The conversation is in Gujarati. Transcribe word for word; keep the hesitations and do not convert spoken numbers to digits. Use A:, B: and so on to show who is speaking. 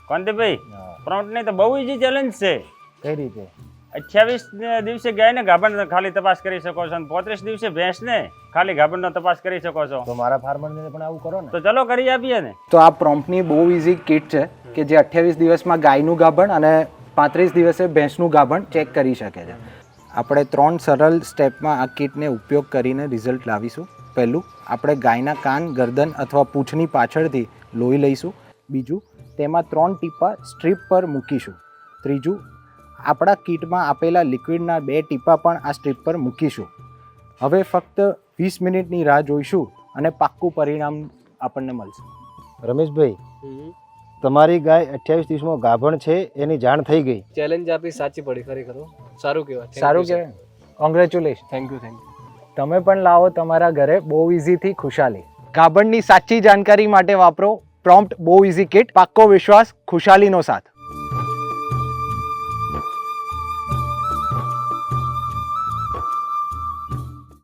A: કોંતીભાઈ પ્રોમ્પ્ટની તો બહુ ઈઝી ચેલેન્જ છે.
B: કઈ રીતે?
A: અઠ્યાવીસ દિવસે ગાયને ગાભણ ખાલી તપાસ કરી શકો છો અને પોત્રીસ દિવસે ભેંસને ખાલી ગાભણનો તપાસ કરી શકો છો.
B: તો મારા ફાર્મરને પણ આવું કરો ને.
A: તો ચલો કરી આપીએ ને.
C: તો આ પ્રોમ્પ્ટની બહુ ઇઝી કિટ છે કે જે અઠ્યાવીસ દિવસમાં ગાયનું ગાભણ અને પાંત્રીસ દિવસે ભેંસનું ગાભણ ચેક કરી શકે છે. આપણે ત્રણ સરળ સ્ટેપમાં આ કિટને ઉપયોગ કરીને રિઝલ્ટ લાવીશું. પહેલું, આપણે ગાયના કાન, ગરદન અથવા પૂંછની પાછળથી લોહી લઈશું. બીજું, તેમાં ત્રણ ટીપા સ્ટ્રીપ પર મૂકીશું. ત્રીજું, આપણા કિટમાં આપેલા લિક્વિડના બે ટીપા પણ આ સ્ટ્રીપ પર મૂકીશું. હવે ફક્ત વીસ મિનિટની રાહ જોઈશું અને પાક્કું પરિણામ આપણને મળશે.
B: રમેશભાઈ, તમારી ગાય અઠ્યાવીસ દિવસમાં ગાભણ છે એની જાણ થઈ ગઈ.
D: ચેલેન્જ આપી સાચી પડી ખરેખર. સારું કહેવાય.
C: સારું કહેવાય. Congratulation.
D: Thank you thank you.
C: તમે પણ લાવો તમારા ઘરે બહુ ઇઝીથી ખુશાલી. ગાભણની સાચી જાણકારી માટે વાપરો પ્રોમ્પ્ટ બહુ ઇઝી કિટ. પાક્કો વિશ્વાસ, ખુશાલીનો સાથ.